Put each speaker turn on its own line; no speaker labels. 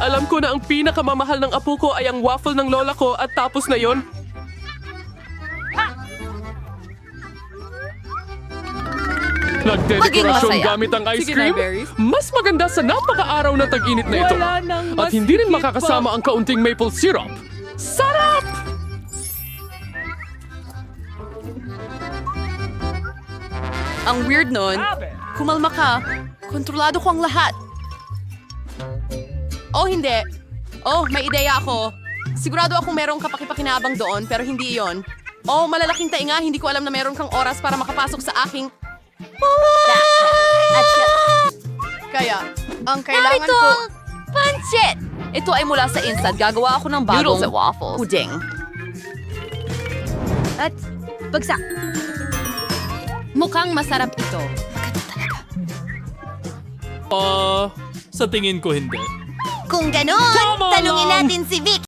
Alam ko na ang pinakamamahal ng apo ko ay ang waffle ng lola ko at tapos na yon. Nagdedekorasyon
masaya.
gamit ang ice
Sige
cream?
na, berries.
Mas maganda sa napaka-araw na tag-init na ito.
Wala nang mas
At hindi rin
higit
makakasama
pa.
ang kaunting maple syrup. Sarap!
Ang weird nun. Kumalma ka. Kontrolado ko ang lahat. Oh, hindi. Oh, may ideya ako. Sigurado akong merong kapakipakinabang doon, pero hindi iyon. Oh, malalaking tainga. Hindi ko alam na meron kang oras para makapasok sa aking... Kaya, ang kailangan ko...
Pancit!
Ito ay mula sa Instant. Gagawa ako ng bagong...
Noodles at waffles.
Puding.
At bagsak. Mukhang masarap ito.
Sa tingin ko hindi.
Kung ganon,
Tama
tanungin
lang!
natin si Vic.